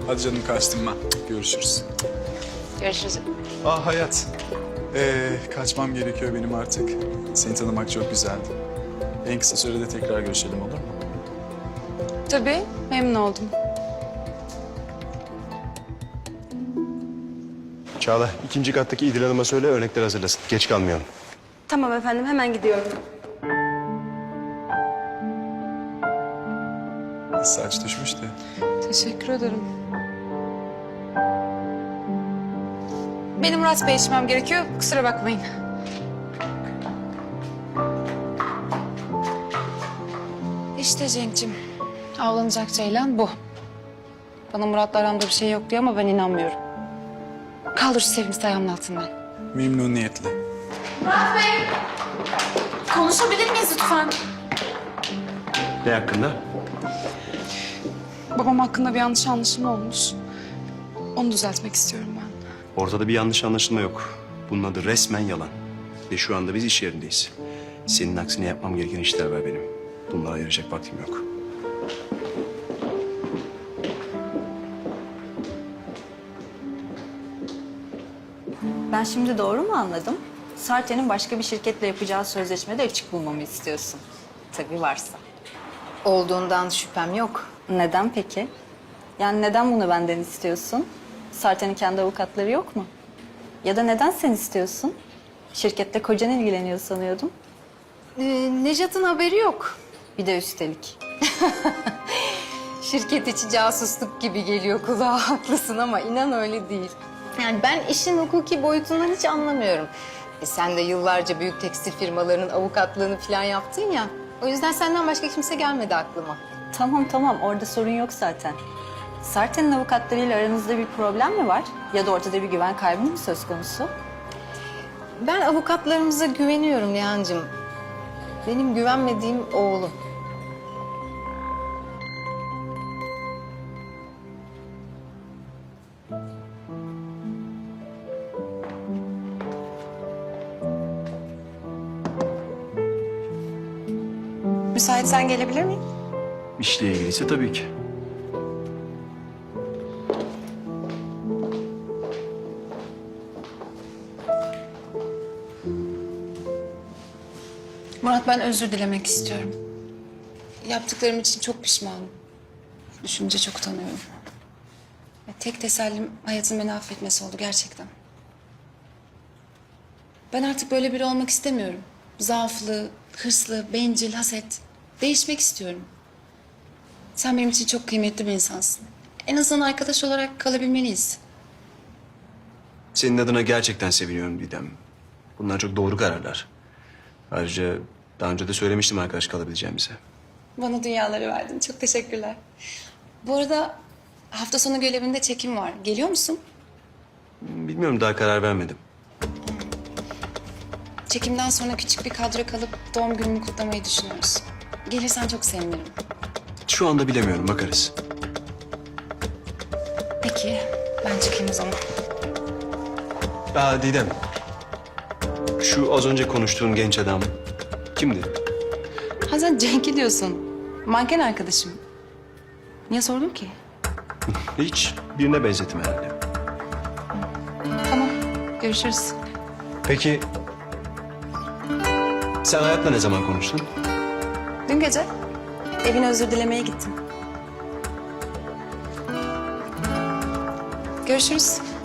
Hadi canım kaçtım ben. Görüşürüz. Görüşürüz. Ah hayat. Kaçmam gerekiyor benim artık. Seni tanımak çok güzeldi. En kısa sürede tekrar görüşelim olur mu? Tabii, memnun oldum. Çağla, ikinci kattaki İdil Hanım'a söyle örnekler hazırlasın. Geç kalmayalım. Tamam efendim, hemen gidiyorum. Saç düşmüştü. Teşekkür ederim. Benim Murat Bey içmem gerekiyor, kusura bakmayın. İşte Cenk'cim, avlanacak ceylan bu. Bana Murat'la aramda bir şey yok diyor ama ben inanmıyorum. Kaldır şu sevimsiz ayağımın altından. Memnuniyetle. Murat Bey! Konuşabilir miyiz lütfen? Ne hakkında? Babam hakkında bir yanlış anlaşılma olmuş. Onu düzeltmek istiyorum ben. Ortada bir yanlış anlaşılma yok. Bunun adı resmen yalan. Ve şu anda biz iş yerindeyiz. Senin aksine yapmam gereken işler var benim. Bunlara ayıracak vaktim yok. Ben şimdi doğru mu anladım? Sarte'nin başka bir şirketle yapacağı sözleşmede açık bulmamı istiyorsun. Tabii varsa. Olduğundan şüphem yok. Neden peki? Yani neden bunu benden istiyorsun? Sarte'nin kendi avukatları yok mu? Ya da neden sen istiyorsun? Şirkette kocan ilgileniyor sanıyordum. Nejat'ın haberi yok. Bir de üstelik. Şirket içi casusluk gibi geliyor kulağa, haklısın ama inan öyle değil. Yani ben işin hukuki boyutundan hiç anlamıyorum. Sen de yıllarca büyük tekstil firmalarının avukatlığını falan yaptın ya. O yüzden senden başka kimse gelmedi aklıma. Tamam, orada sorun yok zaten. Sarte'nin avukatlarıyla aranızda bir problem mi var? Ya da ortada bir güven kaybı mı söz konusu? Ben avukatlarımıza güveniyorum Nihan'cığım. Benim güvenmediğim oğlum. Müsaitsen gelebilir miyim? İşle ilgiliyse tabii ki. Murat, ben özür dilemek istiyorum. Yaptıklarım için çok pişmanım. Düşünce çok utanıyorum. Ve tek tesellim hayatın beni affetmesi oldu gerçekten. Ben artık böyle biri olmak istemiyorum. Zaaflı, hırslı, bencil, haset. Değişmek istiyorum. Sen benim için çok kıymetli bir insansın. En azından arkadaş olarak kalabilmeliyiz. Senin adına gerçekten seviniyorum Didem. Bunlar çok doğru kararlar. Ayrıca daha önce de söylemiştim arkadaş kalabileceğimize. Bana dünyaları verdin. Çok teşekkürler. Bu arada hafta sonu görevinde çekim var. Geliyor musun? Bilmiyorum, daha karar vermedim. Çekimden sonra küçük bir kadro kalıp doğum günümü kutlamayı düşünüyoruz. Gelirsen çok sevinirim. Şu anda bilemiyorum, bakarız. Peki, ben çıkayım o zaman. Didem. Şu az önce konuştuğun genç adam kimdi? Ha, sen Cenk'i diyorsun. Manken arkadaşım. Niye sordun ki? Hiç birine benzettim herhalde. Tamam, görüşürüz. Peki sen Hayat'la ne zaman konuştun? Dün gece Evine özür dilemeye gittim. görüşürüz.